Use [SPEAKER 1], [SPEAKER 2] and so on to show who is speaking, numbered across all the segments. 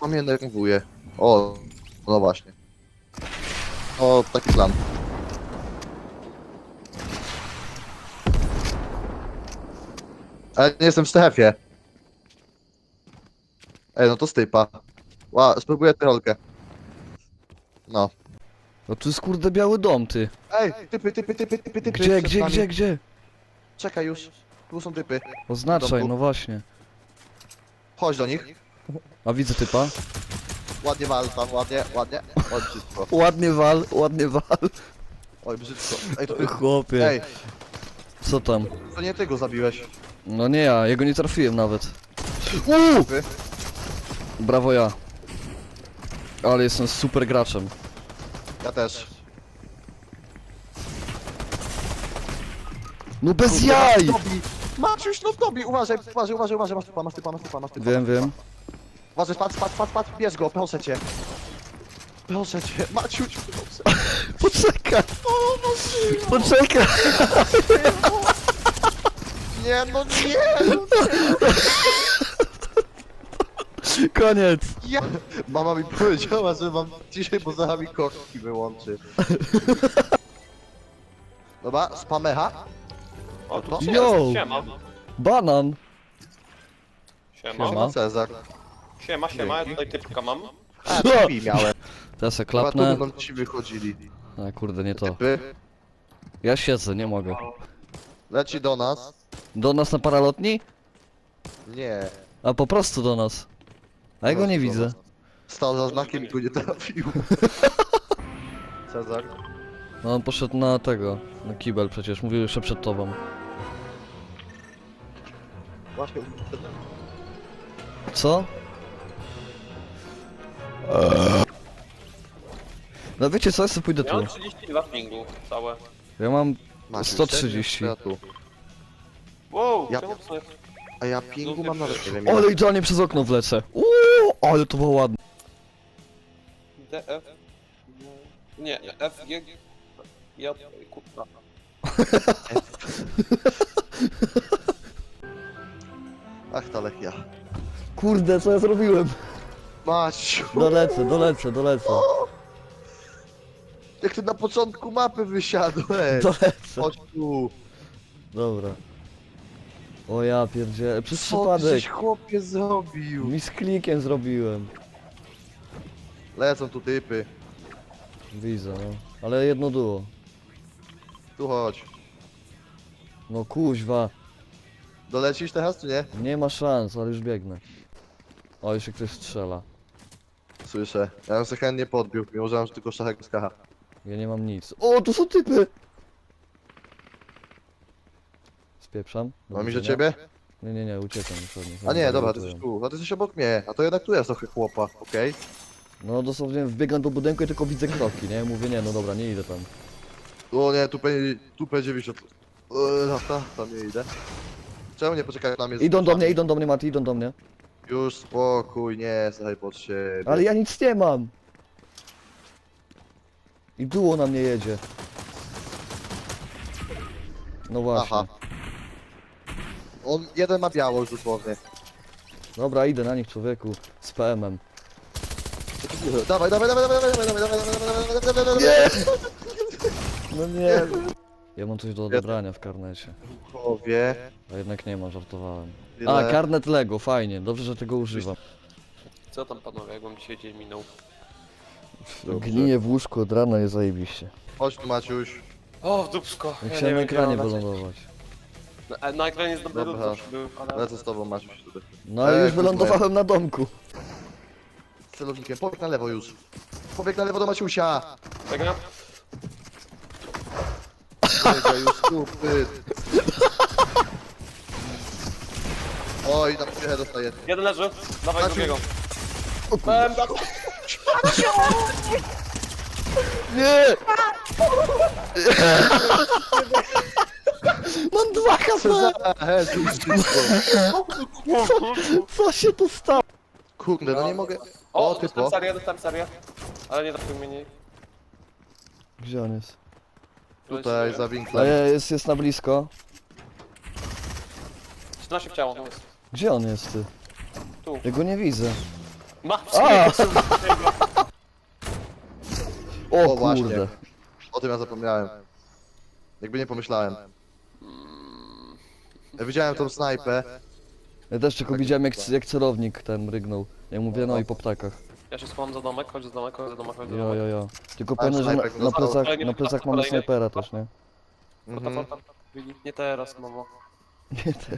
[SPEAKER 1] grupa mnie nerwuje. O, no właśnie. O, taki plan. Ale nie jestem w strefie. Ej, no to stypa. Spróbuję trolkę. No.
[SPEAKER 2] No tu jest kurde biały dom, ty.
[SPEAKER 1] Ej, typy.
[SPEAKER 2] Gdzie,
[SPEAKER 1] przed nami.
[SPEAKER 2] gdzie?
[SPEAKER 1] Czekaj już. Tu są typy.
[SPEAKER 2] Oznaczaj,
[SPEAKER 1] Domku.
[SPEAKER 2] no właśnie.
[SPEAKER 1] Chodź do nich.
[SPEAKER 2] A widzę typa.
[SPEAKER 1] Ładnie wal tam, ładnie. Oj, brzydko.
[SPEAKER 2] Ładnie wal.
[SPEAKER 1] Oj, brzydko. Ej, to ty...
[SPEAKER 2] Chłopie.
[SPEAKER 1] Ej,
[SPEAKER 2] Co tam?
[SPEAKER 1] to nie ty go zabiłeś.
[SPEAKER 2] No nie ja, jego nie trafiłem nawet.
[SPEAKER 1] Typy.
[SPEAKER 2] Brawo ja. Ale jestem super graczem.
[SPEAKER 1] Ja też.
[SPEAKER 2] No bez
[SPEAKER 1] Kurde,
[SPEAKER 2] jaj!
[SPEAKER 1] Maciuś, no w tobie! Uważaj, masz typa.
[SPEAKER 2] Wiem.
[SPEAKER 1] Uważaj, patrz, bierz go, proszę cię. Maciuś, proszę.
[SPEAKER 2] Poczekaj! Poczekaj!
[SPEAKER 1] Nie, no nie!
[SPEAKER 2] Koniec!
[SPEAKER 1] Ja... Mama mi powiedziała, że mam dzisiaj, bo zaraz mi kości wyłączy. Dobra, spamecha.
[SPEAKER 3] O, tu
[SPEAKER 1] No.
[SPEAKER 3] gdzie
[SPEAKER 2] Yo!
[SPEAKER 3] jest? Siema.
[SPEAKER 2] Banan!
[SPEAKER 3] Siema.
[SPEAKER 2] Siema.
[SPEAKER 1] Cezar.
[SPEAKER 3] Siema, ja tutaj typka mam.
[SPEAKER 1] A, typi miałem.
[SPEAKER 2] Teraz se
[SPEAKER 1] Chyba tu
[SPEAKER 2] klapnę.
[SPEAKER 1] będą ci wychodzili.
[SPEAKER 2] A kurde, nie to.
[SPEAKER 1] Typy.
[SPEAKER 2] Ja siedzę, nie mogę.
[SPEAKER 1] Leci do nas.
[SPEAKER 2] Do nas na paralotni?
[SPEAKER 1] Nie.
[SPEAKER 2] A po prostu do nas. A ja go nie
[SPEAKER 1] Do
[SPEAKER 2] widzę.
[SPEAKER 1] nas. Stał za znakiem i go nie trafił. Cezar.
[SPEAKER 2] No on poszedł na tego, na kibel przecież, mówił jeszcze przed tobą.
[SPEAKER 1] Właśnie.
[SPEAKER 2] Co? No wiecie co, ja sobie pójdę
[SPEAKER 3] Ja
[SPEAKER 2] tu.
[SPEAKER 3] mam 32 pingu całe.
[SPEAKER 2] Ja mam
[SPEAKER 1] Maciuś,
[SPEAKER 2] 130.
[SPEAKER 1] serio? Ja tu.
[SPEAKER 3] Wow,
[SPEAKER 1] Ja-
[SPEAKER 3] czemu to jest?
[SPEAKER 1] A ja pingu mam nawet nie wiem.
[SPEAKER 2] Ale idealnie przez okno wlecę. Uuu, ale to było ładne.
[SPEAKER 3] DF? Nie, FG... Ja... Kurwa.
[SPEAKER 1] Ach, ta Lechia.
[SPEAKER 2] Kurde, co ja zrobiłem?
[SPEAKER 1] Maciu.
[SPEAKER 2] Dolecę.
[SPEAKER 1] Jak ty na początku mapy wysiadłeś.
[SPEAKER 2] Dolecę.
[SPEAKER 1] Chodź tu.
[SPEAKER 2] Dobra. O ja pierdzielę, przez
[SPEAKER 1] Co ty
[SPEAKER 2] przypadek.
[SPEAKER 1] żeś chłopie zrobił?
[SPEAKER 2] Mi z klikiem zrobiłem.
[SPEAKER 1] Lecą tu typy.
[SPEAKER 2] Widzę, no. Ale jedno duo.
[SPEAKER 1] Tu chodź.
[SPEAKER 2] No kuźwa.
[SPEAKER 1] Dolecisz teraz czy nie?
[SPEAKER 2] Nie ma szans, ale już biegnę. O, jeszcze ktoś strzela.
[SPEAKER 1] Słyszę. Ja bym sobie chętnie podbił, mimo że mam tylko szachek z kacha.
[SPEAKER 2] Ja nie mam nic. O, tu są typy! Spieprzam. Do
[SPEAKER 1] Mam iść do
[SPEAKER 2] widzenia.
[SPEAKER 1] ciebie?
[SPEAKER 2] Nie, uciekam już od nich.
[SPEAKER 1] A nie,
[SPEAKER 2] Oni
[SPEAKER 1] dobra, ty
[SPEAKER 2] lutują.
[SPEAKER 1] jesteś tu. A ty jesteś obok mnie. A to jednak tu jest trochę chłopa, okej?
[SPEAKER 2] No dosłownie wbiegam do budynku i tylko widzę kroki, nie? Mówię, nie, no dobra, nie idę tam.
[SPEAKER 1] O nie, tu P90. Lata, tam nie idę. Czemu nie poczekać na mnie? z
[SPEAKER 2] Idą do
[SPEAKER 1] kluczami?
[SPEAKER 2] mnie, Mati, idą do mnie.
[SPEAKER 1] Już spokój, nie, słuchaj pod siebie.
[SPEAKER 2] Ale ja nic nie mam! I duo na mnie jedzie. No właśnie.
[SPEAKER 1] Aha. Jeden ma biało już dosłownie.
[SPEAKER 2] Dobra, idę na nich, człowieku. Z PM-em.
[SPEAKER 1] Dawaj.
[SPEAKER 2] Nie! No nie. Ja mam coś do odebrania w karnecie.
[SPEAKER 1] Powie.
[SPEAKER 2] A jednak nie ma, żartowałem.
[SPEAKER 1] Ile?
[SPEAKER 2] A, karnet Lego, fajnie, dobrze, że tego używam.
[SPEAKER 3] Co tam panowie, jak wam dzisiaj dzień minął?
[SPEAKER 1] Dobrze.
[SPEAKER 2] Gninie w łóżku od rana jest zajebiście.
[SPEAKER 1] Chodź tu Maciuś.
[SPEAKER 3] O, w dupsko.
[SPEAKER 2] Jak
[SPEAKER 3] Ja
[SPEAKER 2] chciałem
[SPEAKER 3] nie
[SPEAKER 2] na
[SPEAKER 3] wiem,
[SPEAKER 2] ekranie
[SPEAKER 3] gdzie mam
[SPEAKER 2] wylądować.
[SPEAKER 3] Na ekranie jest dobry
[SPEAKER 1] Dobra.
[SPEAKER 3] lód, był, ale...
[SPEAKER 1] Lecę z tobą Maciuś tutaj.
[SPEAKER 2] No ale już
[SPEAKER 1] kurwa,
[SPEAKER 2] wylądowałem na domku.
[SPEAKER 1] Z celownikiem, pobieg na lewo już. Pobieg na lewo do Maciusia.
[SPEAKER 3] Czekaj.
[SPEAKER 1] Biega już stupy. Oj, tam przyjechę dostaję.
[SPEAKER 3] Jeden leży, dawaj
[SPEAKER 1] Maciu.
[SPEAKER 3] drugiego.
[SPEAKER 2] O kurde. Nie! Mam 2 HP! Co się tu stało?
[SPEAKER 1] Kurde, no nie mogę.
[SPEAKER 3] O,
[SPEAKER 1] O, typo.
[SPEAKER 3] dostałem serię. Ale nie trafił mnie, nie.
[SPEAKER 2] Gdzie on jest?
[SPEAKER 1] Tutaj za
[SPEAKER 2] A
[SPEAKER 1] winklem.
[SPEAKER 2] jest na blisko.
[SPEAKER 3] 13 w ciało, no jest.
[SPEAKER 2] Gdzie on jest ty?
[SPEAKER 3] Tu.
[SPEAKER 2] Ja go nie widzę. A! O
[SPEAKER 1] O, właśnie.
[SPEAKER 2] kurde.
[SPEAKER 1] O tym ja zapomniałem. Jakby nie pomyślałem. Ja widziałem tą snajpę.
[SPEAKER 2] Ja też tylko widziałem jak celownik ten rygnął. Ja mówię no i po ptakach.
[SPEAKER 3] Ja się schowam za domek, chodź za domek, chodź za domek, chodź za
[SPEAKER 2] Jo,
[SPEAKER 3] domek.
[SPEAKER 2] jo, jo. Tylko
[SPEAKER 1] A,
[SPEAKER 2] pamiętaj, że
[SPEAKER 1] snajper go dostał.
[SPEAKER 2] na plecach mamy snajpera też, nie?
[SPEAKER 1] Mhm.
[SPEAKER 3] Nie teraz, mamo.
[SPEAKER 2] Nie te.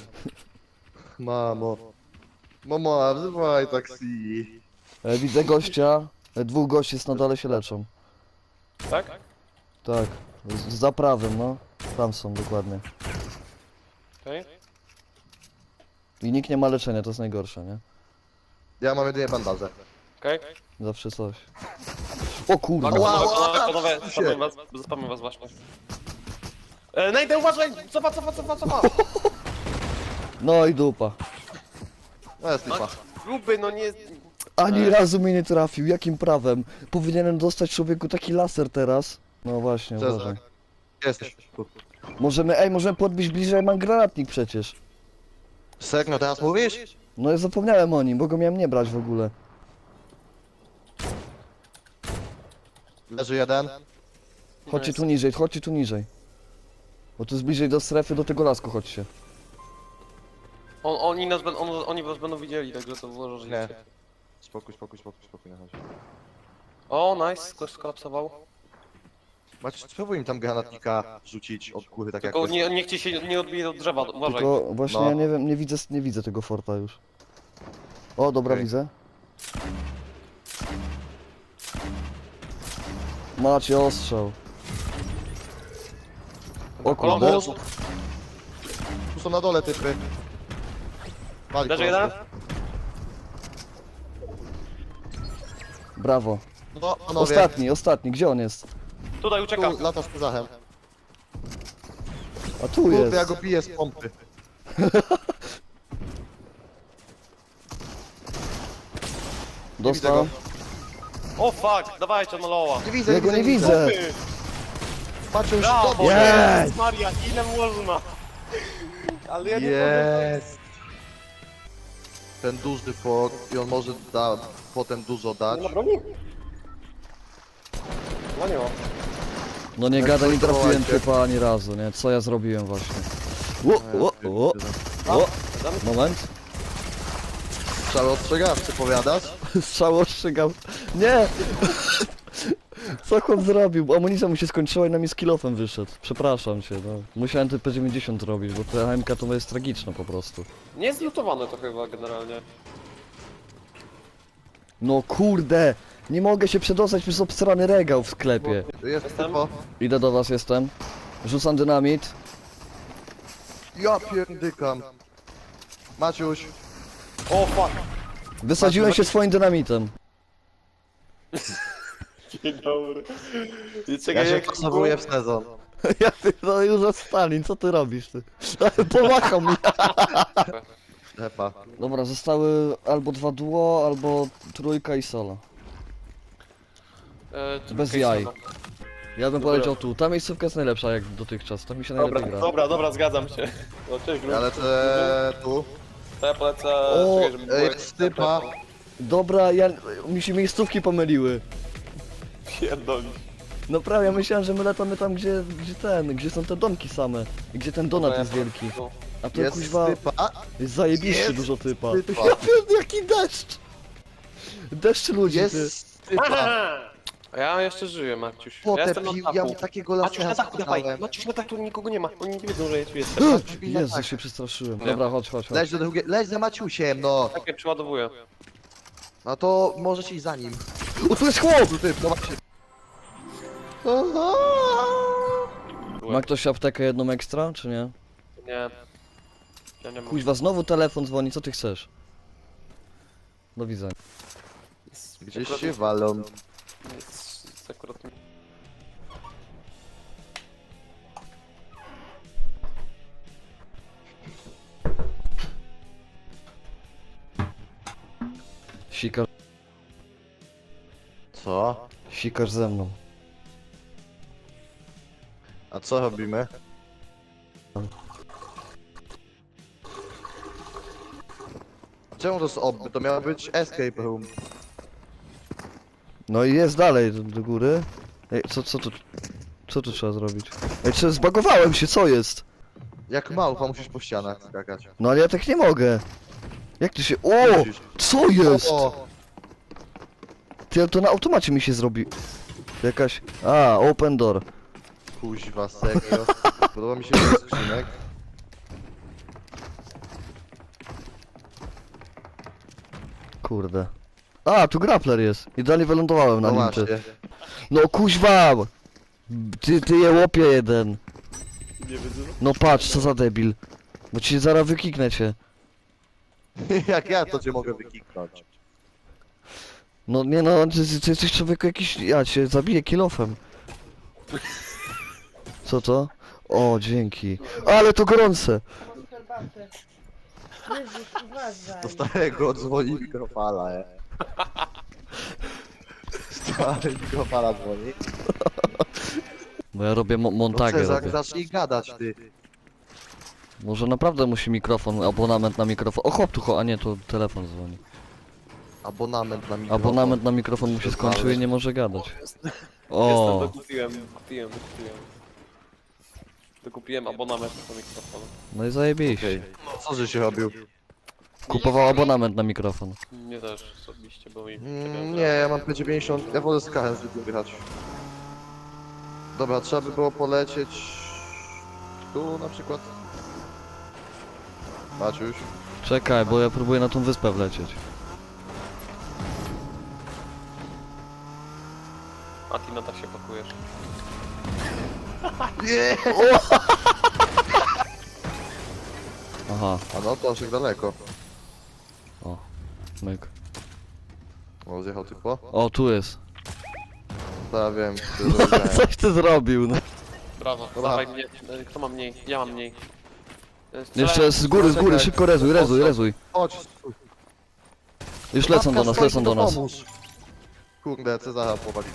[SPEAKER 1] Mamo. Mamo, wzywaj taksi.
[SPEAKER 2] Widzę gościa. Dwóch gości jest na dole się leczą.
[SPEAKER 3] Tak?
[SPEAKER 2] Tak. Za prawym, no. Tam są dokładnie.
[SPEAKER 3] Okej.
[SPEAKER 2] I nikt nie ma leczenia, to jest najgorsze, nie?
[SPEAKER 1] Ja mam jedynie bandaże.
[SPEAKER 3] Okej.
[SPEAKER 2] Zawsze coś. O kurde.
[SPEAKER 1] Wow,
[SPEAKER 3] Panowie, zaspamy was właśnie. Najdę, uważaj! Cofa!
[SPEAKER 2] No i dupa.
[SPEAKER 1] No jest lipa.
[SPEAKER 3] Gruby, no nie...
[SPEAKER 2] Ani razu mnie nie trafił, jakim prawem? Powinienem dostać człowieku taki laser teraz. No właśnie, uważaj.
[SPEAKER 1] Cezar. Jesteś. Tu.
[SPEAKER 2] Możemy podbić bliżej, mam granatnik przecież.
[SPEAKER 1] Serio teraz mówisz?
[SPEAKER 2] No ja zapomniałem o nim, bo go miałem nie brać w ogóle.
[SPEAKER 1] Leży jeden.
[SPEAKER 2] Chodźcie tu niżej, chodźcie tu niżej. Bo tu jest bliżej do strefy, do tego lasku chodźcie.
[SPEAKER 3] Oni was będą widzieli, także to włożę, że
[SPEAKER 1] Nie.
[SPEAKER 3] jest.
[SPEAKER 1] Spokój, nie chodź.
[SPEAKER 3] O, nice, ktoś skolapsował.
[SPEAKER 1] Macie, spróbuj im tam granatnika rzucić od góry, tak jak
[SPEAKER 3] Tylko
[SPEAKER 1] to
[SPEAKER 3] niech ci się nie odbije od drzewa, uważaj.
[SPEAKER 2] Tylko właśnie
[SPEAKER 1] No.
[SPEAKER 2] ja nie wiem, nie widzę tego forta już. O, dobra,
[SPEAKER 1] Okej.
[SPEAKER 2] widzę. Macie ostrzał. O kurde.
[SPEAKER 3] Kolumbus,
[SPEAKER 1] Tu są na dole typy. Wali
[SPEAKER 3] leży
[SPEAKER 1] prosto.
[SPEAKER 3] jeden?
[SPEAKER 2] Brawo.
[SPEAKER 1] No, panowie.
[SPEAKER 2] Ostatni, gdzie on jest?
[SPEAKER 3] Tutaj ucieka.
[SPEAKER 1] Tu lata z Pezachem.
[SPEAKER 2] A tu
[SPEAKER 1] Kurde,
[SPEAKER 2] jest.
[SPEAKER 1] ja go piję z pompy.
[SPEAKER 2] Dostał.
[SPEAKER 3] O fuck, dawajcie na loła.
[SPEAKER 1] Nie widzę,
[SPEAKER 2] Ja go nie widzę.
[SPEAKER 1] Patrzę już
[SPEAKER 3] Brawo,
[SPEAKER 1] dobrze.
[SPEAKER 2] Jest!
[SPEAKER 3] Maria, ile można? Ale ja nie mogę.
[SPEAKER 1] Jest. Ten duży fort i on może potem dużo dać.
[SPEAKER 3] Nie ma broni? No nie ma.
[SPEAKER 2] No nie
[SPEAKER 1] Jak
[SPEAKER 2] gadaj, nie trafiłem
[SPEAKER 1] próbowaliście.
[SPEAKER 2] typa ani razu, nie? Co ja zrobiłem właśnie? O, moment.
[SPEAKER 1] Trzeba ostrzegawczy, powiadasz?
[SPEAKER 2] Strzał ostrzygał. Nie! Co chłop zrobił? Amunicja mu się skończyła i na mnie z kilofem wyszedł. Przepraszam cię, no. Musiałem te P90 robić, bo ta HMK to jest tragiczna po prostu.
[SPEAKER 3] Nie jest zlutowane to chyba generalnie.
[SPEAKER 2] No kurde! Nie mogę się przedostać przez obstrany regał w sklepie.
[SPEAKER 1] Jest
[SPEAKER 3] Jestem.
[SPEAKER 1] typo.
[SPEAKER 2] Idę do was, jestem. Rzucam dynamit.
[SPEAKER 1] Ja pierdykam. Maciuś.
[SPEAKER 3] O fuck.
[SPEAKER 2] Wysadziłem się swoim dynamitem.
[SPEAKER 3] Dzień dobry.
[SPEAKER 1] Ja się pasowuję w sezon.
[SPEAKER 2] Ja no już Stalin, co ty robisz ty? Pomachał mi.
[SPEAKER 1] Hepa.
[SPEAKER 2] Dobra, zostały albo 2 duo, albo trójka i solo. Bez jaj. Ja bym powiedział tu, ta miejscówka jest najlepsza jak dotychczas, tam mi się najlepiej gra.
[SPEAKER 3] Dobra, zgadzam się. No cześć,
[SPEAKER 1] Ja lecę tu.
[SPEAKER 3] To ja polecę...
[SPEAKER 2] O,
[SPEAKER 3] czekaj, żeby było-
[SPEAKER 1] jest typa.
[SPEAKER 2] Dobra, mi się miejscówki pomyliły.
[SPEAKER 3] Pierdolisz.
[SPEAKER 2] No prawie, ja myślałem, że my latamy tam, gdzie są te domki same. I gdzie ten donat jest wielki. A to
[SPEAKER 1] Jest
[SPEAKER 2] kuźwa,
[SPEAKER 1] typa.
[SPEAKER 2] jest zajebiście
[SPEAKER 1] Jest
[SPEAKER 2] dużo typa.
[SPEAKER 1] typa.
[SPEAKER 2] Ja pierdolę, jaki deszcz! Deszcz ludzi, ty.
[SPEAKER 1] Jest typa.
[SPEAKER 3] A ja jeszcze żyję, Maciuś. Ja
[SPEAKER 1] Potę
[SPEAKER 3] jestem na
[SPEAKER 1] pił,
[SPEAKER 3] dachu.
[SPEAKER 1] ja mu takiego
[SPEAKER 3] Maciuś na
[SPEAKER 1] lasera
[SPEAKER 3] dachu, dawaj.
[SPEAKER 1] sprzedałem.
[SPEAKER 3] Maciuś na dachu, tu nikogo nie ma. Oni nie wiedzą, że ja tu jestem.
[SPEAKER 2] Jezu, się przestraszyłem.
[SPEAKER 3] Nie.
[SPEAKER 2] Dobra, chodź.
[SPEAKER 1] Leć do drugiej, leć za Maciusiem, no.
[SPEAKER 3] Tak, ja przeładowuję.
[SPEAKER 1] No to możesz iść za nim.
[SPEAKER 2] O, tu jest chłop!
[SPEAKER 1] Tu typ, zobaczcie.
[SPEAKER 2] Ma ktoś aptekę jedną ekstra, czy nie?
[SPEAKER 3] Nie. Ja nie mam.
[SPEAKER 2] Kuźwa, znowu telefon dzwoni, co ty chcesz? Do widzenia.
[SPEAKER 1] Gdzieś się walą.
[SPEAKER 3] Jest akurat...
[SPEAKER 2] Sikasz,
[SPEAKER 1] Co?
[SPEAKER 2] sikasz ze mną.
[SPEAKER 1] A co robimy? Czemu to jest obby? To miało być escape room.
[SPEAKER 2] No i jest dalej, do góry. Ej, co tu trzeba zrobić? Ej, czy zbagowałem się, co jest?
[SPEAKER 1] Jak małpa musisz po ścianach skakać.
[SPEAKER 2] No ale ja tak nie mogę. Jak ty się... O!
[SPEAKER 1] Musisz.
[SPEAKER 2] Co jest?
[SPEAKER 1] O!
[SPEAKER 2] Ty, to na automacie mi się zrobi. Jakaś... A, open door.
[SPEAKER 1] Kuźwa, serio. Podoba mi się ten skrzynek.
[SPEAKER 2] Kurde. A, tu grappler jest. Idealnie wylądowałem na
[SPEAKER 1] No
[SPEAKER 2] nim, ty.
[SPEAKER 1] właśnie.
[SPEAKER 2] No kuźwa! Ty je łopie jeden.
[SPEAKER 3] Nie widzę.
[SPEAKER 2] No patrz, co za debil. Bo ci zaraz wykiknę cię.
[SPEAKER 1] Jak ja to cię mogę wykiknąć?
[SPEAKER 2] No nie no, ty jesteś człowieku jakiś... Ja cię zabiję kilofem. Co to? O, dzięki. Ale to gorące!
[SPEAKER 4] herbatę. Jezus, uważaj.
[SPEAKER 1] Do starego dzwoni mikrofala, Stary mikrofala dzwoni.
[SPEAKER 2] Bo ja robię
[SPEAKER 1] No
[SPEAKER 2] montagę
[SPEAKER 1] Cezar,
[SPEAKER 2] robię.
[SPEAKER 1] zacznij gadać, ty.
[SPEAKER 2] Może naprawdę musi mikrofon, abonament na mikrofon. O chłop tu a nie, to telefon dzwoni.
[SPEAKER 1] Abonament na mikrofon.
[SPEAKER 2] Abonament na mikrofon mu się skończył i nie może gadać.
[SPEAKER 3] Jestem,
[SPEAKER 2] O,
[SPEAKER 3] dokupiłem. Dokupiłem abonament na mikrofon.
[SPEAKER 2] no i zajebiście.
[SPEAKER 1] Okej. Co żeś robił?
[SPEAKER 2] Kupował abonament na mikrofon.
[SPEAKER 3] Nie też osobiście, bo mi...
[SPEAKER 1] Nie, ja mam P90, ja wolę z KS zwykłym grać. Dobra, trzeba by było polecieć... Tu na przykład. Patrz już.
[SPEAKER 2] Czekaj, bo ja próbuję na tą wyspę wlecieć.
[SPEAKER 3] A ty na tak się pakujesz.
[SPEAKER 1] Nie!
[SPEAKER 2] Aha,
[SPEAKER 1] A no to aż tak daleko.
[SPEAKER 2] myk.
[SPEAKER 1] O, zjechał typo.
[SPEAKER 2] O, tu jest.
[SPEAKER 1] To ja wiem, co zrobiłem.
[SPEAKER 2] Coś ty zrobił, no.
[SPEAKER 3] Brawo,
[SPEAKER 1] Dobra.
[SPEAKER 3] dawaj mnie. Kto ma mniej? Ja mam mniej.
[SPEAKER 2] Jeszcze z góry,
[SPEAKER 1] Czekaj.
[SPEAKER 2] szybko rezuj.
[SPEAKER 1] Chodź.
[SPEAKER 2] Już lecą do nas,
[SPEAKER 1] Matka,
[SPEAKER 2] lecą do nas.
[SPEAKER 1] pomóż. Kurde, Cezara powalili.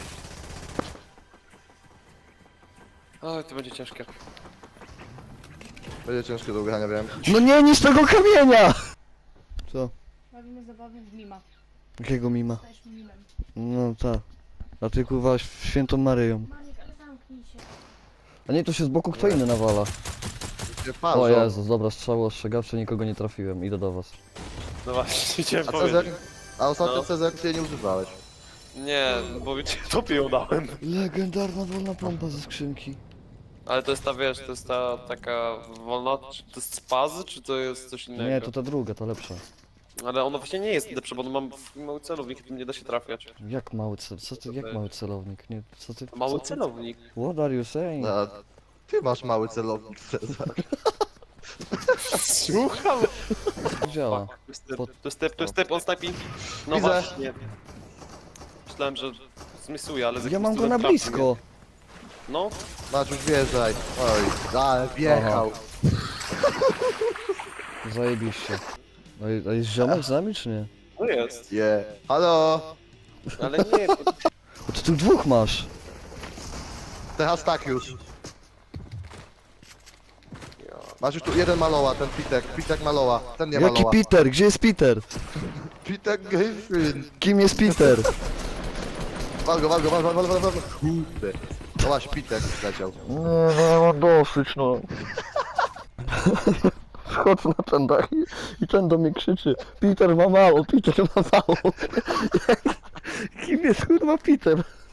[SPEAKER 3] Oj, to będzie ciężkie.
[SPEAKER 1] Będzie ciężkie do ugrania, wiem.
[SPEAKER 2] No nie, nic tego kamienia! Co?
[SPEAKER 4] Robimy zabawę w mima.
[SPEAKER 2] Jakiego mima?
[SPEAKER 4] Stajesz mimem.
[SPEAKER 2] No tak. A ty kurwa świętą Maryją.
[SPEAKER 4] Maniek, ale zamknij się.
[SPEAKER 2] A nie, to się z boku kto inny nawala.
[SPEAKER 1] Gdzie
[SPEAKER 2] O
[SPEAKER 1] parzą.
[SPEAKER 2] Jezus, dobra, strzały ostrzegawcze, nikogo nie trafiłem, idę do was.
[SPEAKER 3] No właśnie, chciałem
[SPEAKER 1] A Cezar?
[SPEAKER 3] powiedzieć.
[SPEAKER 1] A ostatnio
[SPEAKER 3] No.
[SPEAKER 1] Cezar ty jej nie używałeś.
[SPEAKER 3] Nie, bo cię tobie ją dałem.
[SPEAKER 2] Legendarna wolna pompa ze skrzynki.
[SPEAKER 3] Ale to jest ta, wiesz, to jest ta taka wolna, czy to jest spazy, czy to jest coś innego?
[SPEAKER 2] Nie, to ta druga, ta lepsza.
[SPEAKER 3] Ale ona właśnie nie jest lepsza, bo ona mam mały celownik, tym nie da się trafiać.
[SPEAKER 2] Jak mały cel? Co ty, jak mały celownik? Nie, co ty?
[SPEAKER 3] Mały
[SPEAKER 2] co ty-
[SPEAKER 3] celownik.
[SPEAKER 2] What are you saying?
[SPEAKER 1] A, ty masz mały celownik, Cezar.
[SPEAKER 3] Słucham!
[SPEAKER 2] Działa.
[SPEAKER 3] To jest typ, on snajpi. No
[SPEAKER 1] Widzę.
[SPEAKER 3] właśnie. Myślałem, że zmisuje, ale... z
[SPEAKER 2] Ja
[SPEAKER 3] jakimś
[SPEAKER 2] mam go
[SPEAKER 3] cudem
[SPEAKER 2] na
[SPEAKER 3] trafił
[SPEAKER 2] blisko.
[SPEAKER 3] mnie. No,
[SPEAKER 1] Maciuś, wjeżdżaj. Oj, ale wjechał.
[SPEAKER 2] Zajebiście. A jest ziomek z nami, czy nie?
[SPEAKER 3] no jest.
[SPEAKER 1] Je. Halo?
[SPEAKER 3] Ale nie,
[SPEAKER 2] O, ty tu dwóch masz.
[SPEAKER 1] Teraz tak już. Masz już tu jeden maloła, ten Pitek maloła. Ten nie
[SPEAKER 2] Jaki
[SPEAKER 1] maloła.
[SPEAKER 2] Peter? Gdzie jest Peter?
[SPEAKER 1] Pitek Griffin.
[SPEAKER 2] Kim jest Peter?
[SPEAKER 1] Wal go. Kurde. No właśnie, Pitek leciał.
[SPEAKER 2] Nie, mam dosyć, no. Schodzę na ten dach i ten do mnie krzyczy: Peter ma mało, Peter ma mało. Kim jest kurwa Peter?